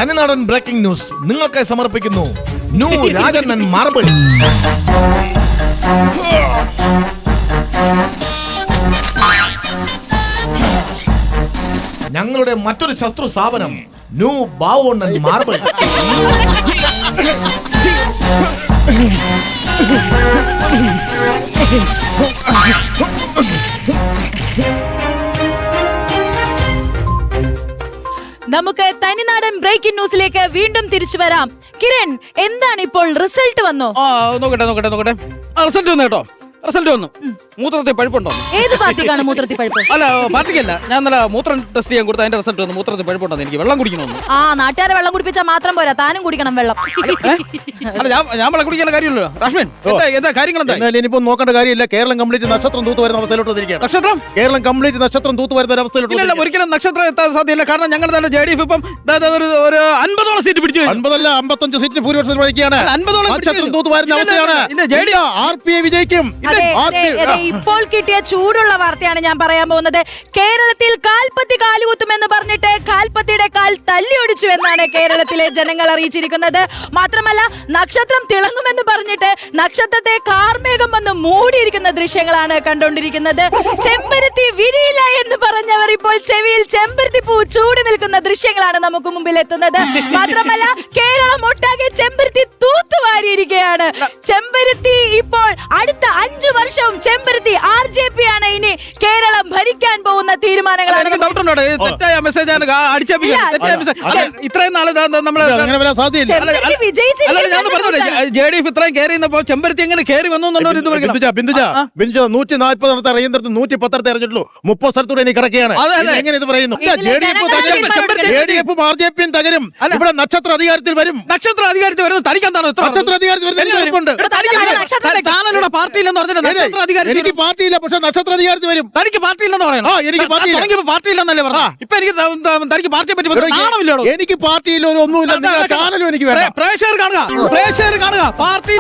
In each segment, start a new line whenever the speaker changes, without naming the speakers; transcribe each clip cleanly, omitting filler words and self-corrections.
തനിനാടൻ breaking news നിങ്ങൾക്കായി സമർപ്പിക്കുന്നു new രാജണ്ണൻ marble. ഞങ്ങളുടെ മറ്റൊരു ശത്രു സ്ഥാപനം ന്യൂ ബാവോണ്ണൻ മാർബിൾ.
നമുക്ക് തനിനാടൻ ബ്രേക്കിംഗ് ന്യൂസിലേക്ക് വീണ്ടും തിരിച്ചു വരാം. കിരൺ, എന്താണ് ഇപ്പോൾ റിസൾട്ട് വന്നോ?
നോക്കട്ടെ റിസൾട്ട് വന്നു കേട്ടോ. റിസൾട്ട് വന്നു. മൂത്രത്തിൽ പഴുപ്പുണ്ടോ?
ഏത് പാർട്ടിക്കാണ് മൂത്രത്തിൽ പഴുപ്പ്?
അല്ല, പാർട്ടിക്കല്ല. ഞാൻ ഇന്നലെ മൂത്രം ടെസ്റ്റ് ചെയ്യാൻ കൊടുത്ത അതിന്റെ റിസൾട്ട് വന്നു. മൂത്രത്തിൽ പഴുപ്പുണ്ടോ? എനിക്ക് വെള്ളം കുടിക്കണമെന്ന്.
ആ, നാട്ടുകാരെ വെള്ളം കുടിപ്പിച്ചാൽ മാത്രം പോരാ, താനും കുടിക്കണം വെള്ളം.
അല്ല, ഞാൻ വെള്ളം കുടിക്കാൻ കാര്യമില്ലല്ലോ. രാഷ്മൻ, എന്താ കാര്യങ്ങൾ? എന്താ
ഇനിയിപ്പോ നോക്കേണ്ട കാര്യമില്ല. കേരളം കംപ്ലീറ്റ് നക്ഷത്രം തൂത്ത് വരുന്ന അവസ്ഥയിലോട്ട് വന്നിരിക്കുകയാണ്.
നക്ഷത്രം
കേരളം കംപ്ലീറ്റ് നക്ഷത്രം തൂത്ത് വരുന്ന ഒരു അവസ്ഥയിലോട്ട്.
ഇല്ല, ഒരിക്കലും നക്ഷത്രം എത്താൻ സാധ്യല്ല. കാരണം ഞങ്ങൾ തന്നെ JDF ഇപ്പം ഒരു 50ഓളം സീറ്റ് പിടിച്ചു.
50 അല്ല 55 സീറ്റ് ഭൂരിപക്ഷത്തിൽ വഹിക്കുകയാണ്.
50ഓളം
നക്ഷത്രം തൂത്ത് വരുന്ന അവസ്ഥയാണ്. RPA വിജയിക്കും.
ഇപ്പോൾ കിട്ടിയ ചൂടുള്ള വാർത്തയാണ് ഞാൻ പറയാൻ പോകുന്നത്. കേരളത്തിൽ കാൽപ്പത്തി കാലുകുത്തുമെന്ന് പറഞ്ഞിട്ട് കാൽപ്പത്തിയുടെ കാൽ തല്ലിയൊടിച്ചു എന്നാണ് കേരളത്തിലെ ജനങ്ങൾ അറിയിച്ചിരിക്കുന്നത്. മാത്രമല്ല, നക്ഷത്രം തിളങ്ങുമെന്ന് പറഞ്ഞിട്ട് നക്ഷത്രത്തെ കാർമേഘം വന്ന് മൂടിയിരിക്കുന്ന ദൃശ്യങ്ങളാണ് കണ്ടുകൊണ്ടിരിക്കുന്നത്. ചെമ്പരത്തി വിരിയില്ല എന്ന് പറഞ്ഞവർ ഇപ്പോൾ ചെവിയിൽ ചെമ്പരത്തി പൂ ചൂടി നിൽക്കുന്ന ദൃശ്യങ്ങളാണ് നമുക്ക് മുമ്പിൽ എത്തുന്നത്. മാത്രമല്ല, കേരളം ഒട്ടാകെ ചെമ്പരത്തി തൂത്തുവാരിയിരിക്കുകയാണ്. ചെമ്പരത്തി ഇപ്പോൾ അടുത്ത 5 വർഷവും ചെമ്പരത്തി RJP ആണ് ഇനി കേരളം ഭരിക്കാൻ പോകുന്ന തീരുമാനങ്ങളാണ്.
ഇത്രയും നാളെ JDF ഇത്രയും കയറി ചെമ്പരത്തി എങ്ങനെ കയറി വന്നു എന്നുള്ളത്
140 അറിയുന്നത് 110 അറിഞ്ഞിട്ടുള്ളൂ. 30 സ്ഥലത്തൂടെ ഇനി കിടക്കുകയാണ്. എങ്ങനെ ഇത് പറയുന്നു? JDF-ഉം RJP-യും തകരും. ഇവിടെ നക്ഷത്ര അധികാരത്തിൽ വരും.
നക്ഷത്ര അധികാരത്തിൽ വരുന്നത് തനിക്കെന്താണ്?
നക്ഷത്ര അധികാരത്തിൽ എനിക്ക് പാർട്ടിയില്ല, പക്ഷെ നക്ഷത്ര അധികാരത്തിൽ വരും.
തനിക്ക് പാർട്ടിയില്ലെന്ന് പറയണം.
എനിക്ക്
പാർട്ടിയില്ലെന്നല്ലേ പറഞ്ഞ. ഇപ്പൊ എനിക്ക് തനിക്ക് പാർട്ടിയെ പറ്റി നാണമില്ലോ?
എനിക്ക് പാർട്ടിയില്ല, ഒരു ഒന്നുമില്ല. ചാനലും എനിക്ക് വേണം.
പ്രേക്ഷകർ കാണുക. പാർട്ടി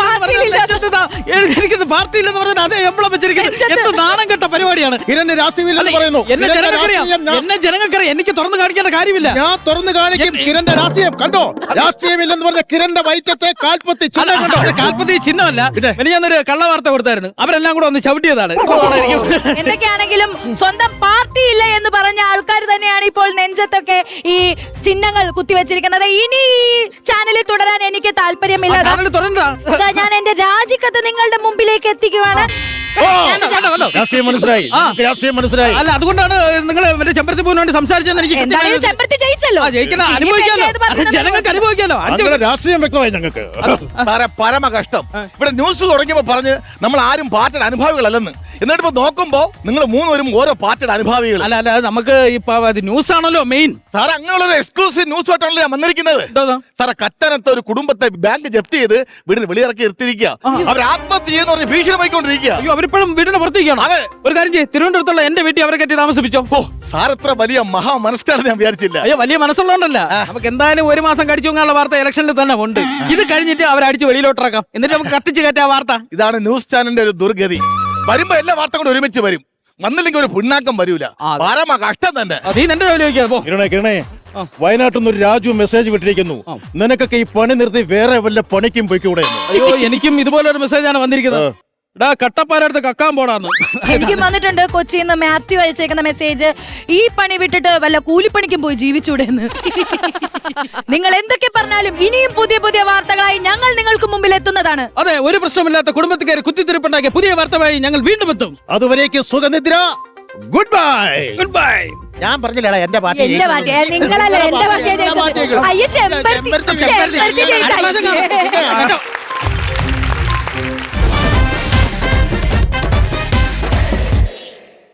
എനിക്ക് പാർട്ടിയില്ലെന്ന് പറഞ്ഞാൽ അതേ എംബ്ലം വെച്ചിരിക്കുന്നത്. എന്ത് നാണം കെട്ട പരിപാടിയാണ്.
കിരണ് രാഷ്ട്രീയമില്ലെന്ന് പറയുന്നു.
എന്നെ ജനങ്ങൾക്കറിയാം. എനിക്ക് തുറന്നു കാണിക്കേണ്ട കാര്യമില്ല.
ഞാൻ തുറന്നു കാണിക്കും. കിരണിന്റെ രാഷ്ട്രീയം കണ്ടോ? രാഷ്ട്രീയമില്ലെന്ന് പറഞ്ഞ കിരണിന്റെ വയറ്റത്തെ കാൽപ്പത്തി ചിഹ്നം കണ്ടോ?
കാൽപ്പത്തി ചിഹ്നമല്ല. ഞാനൊരു കള്ള വാർത്ത കൊടുത്തായിരുന്നു. അവരെല്ലാം കൂടെ ഒന്ന് ചവിട്ടിയതാണ്.
എന്തൊക്കെയാണെങ്കിലും സ്വന്തം പാർട്ടി ഇല്ല എന്ന് പറഞ്ഞ ആൾക്കാർ തന്നെയാണ് ഇപ്പോൾ നെഞ്ചത്തൊക്കെ ഈ ചിഹ്നങ്ങൾ കുത്തിവെച്ചിരിക്കുന്നത്. ഇനി ഈ ചാനലിൽ തുടരാൻ എനിക്ക് താല്പര്യമില്ല. ഞാൻ എന്റെ രാജിക്കത്ത് നിങ്ങളുടെ മുമ്പിലേക്ക് എത്തിക്കുവാണ്.
രാഷ്ട്രീയം മനസ്സിലായി.
അല്ല, അതുകൊണ്ടാണ് നിങ്ങൾ ചെമ്പരത്തി പൂവിന് വേണ്ടി സംസാരിച്ചെന്ന് എനിക്ക്
ചെമ്പരത്തി ജയിച്ചല്ലോ.
ജനങ്ങൾക്ക് അനുഭവിക്കാലോ.
രാഷ്ട്രീയം വ്യക്തമായി ഞങ്ങൾക്ക്.
പരമ കഷ്ടം. ഇവിടെ ന്യൂസ് തുടങ്ങിയപ്പോ പറഞ്ഞ് നമ്മൾ ആരും പാർട്ടിയുടെ അനുഭാവികളല്ലെന്ന്. എന്നിട്ട് ഇപ്പൊ നോക്കുമ്പോ നിങ്ങൾ 3 പേരും ഓരോ പാർട്ടിയുടെ അനുഭാവികൾ.
അല്ല, നമുക്ക് ന്യൂസ് ആണല്ലോ മെയിൻ.
സാറേ, അങ്ങനെയുള്ള ഒരു എക്സ്ക്ലൂസീവ് ന്യൂസ് ആയിട്ടാണല്ലോ ഞാൻ വന്നിരിക്കുന്നത്. സാറേ, കത്തനത്തെ ഒരു കുടുംബത്തെ ബാങ്ക് ജപ്തി ചെയ്ത് വീടിന് വെളിയിറക്കി നിർത്തിയിരിക്കുക. അവർ ആത്മഹത്യ ചെയ്യുന്ന പറഞ്ഞ് ഭീഷണിപ്പോയിക്കൊണ്ടിരിക്കുക.
അവരിപ്പോഴും വീടിന് പുറത്തേക്കാണ്. അതെ, ഒരു കാര്യം ചെയ്യും, തിരുവനന്തപുരത്തുള്ള എന്റെ വീട്ടിൽ അവരെ കെട്ടി താമസിപ്പിച്ചോ.
സാർ എത്ര വലിയ മഹാ മനസ്സാണെന്ന് ഞാൻ വിചാരിച്ചില്ല.
അയ്യോ, വലിയ മനസ്സുള്ളതുകൊണ്ടല്ല. നമുക്ക് എന്തായാലും 1 മാസം കടിച്ചു പോകാനുള്ള വാർത്ത ഇലക്ഷനിൽ തന്നെ ഉണ്ട്. ഇത് കഴിഞ്ഞിട്ട് അവരടിച്ച് വെളിയിലോട്ടിറക്കാം. എന്നിട്ട് നമുക്ക് കത്തിച്ച് കയറ്റാ വാർത്ത.
ഇതാണ് ന്യൂസ് ചാനലിന്റെ ഒരു ദുർഗതി. വരുമ്പോ എല്ലാ വാർത്ത കൂടെ ഒരുമിച്ച് വരും. വന്നില്ലെങ്കിൽ ഒരു പുണ്ണാക്കം വരൂല. പരമ കഷ്ടം തന്നെ.
കിരണേ, വയനാട്ടിൽ നിന്ന് ഒരു രാജു മെസ്സേജ് വിട്ടിരിക്കുന്നു. നിനക്കൊക്കെ ഈ പണി നിർത്തി വേറെ വല്ല പണിക്കും പോയിക്കൂടെ?
അയ്യോ, എനിക്കും ഇതുപോലെ ഒരു മെസ്സേജാണ് വന്നിരിക്കുന്നത്. കട്ടപ്പാരടുത്ത് കക്കാൻ പോടാന്ന്
എനിക്കും വന്നിട്ടുണ്ട്. കൊച്ചിയിൽ നിന്ന് മാത്യു അയച്ചേക്കുന്ന മെസ്സേജ്, ഈ പണി വിട്ടിട്ട് വല്ല കൂലിപ്പണിക്കും പോയി ജീവിച്ചൂടെന്ന്. നിങ്ങൾ എന്തൊക്കെ പറഞ്ഞാലും ഇനിയും പുതിയ പുതിയ വാർത്തകളായി ഞങ്ങൾ നിങ്ങൾക്ക് മുമ്പിൽ എത്തുന്നതാണ്.
അതെ, ഒരു പ്രശ്നമില്ലാത്ത കുടുംബത്തിൽ കയറി കുത്തിത്തിരിപ്പുണ്ടാക്കിയ പുതിയ വാർത്തമായി ഞങ്ങൾ വീണ്ടും എത്തും.
അതുവരേക്ക് സുഖനിദ്ര. Goodbye. ഞാൻ പറഞ്ഞില്ലടാ എന്റെ പാർട്ടി.
നിങ്ങളല്ല എന്റെ പാർട്ടി.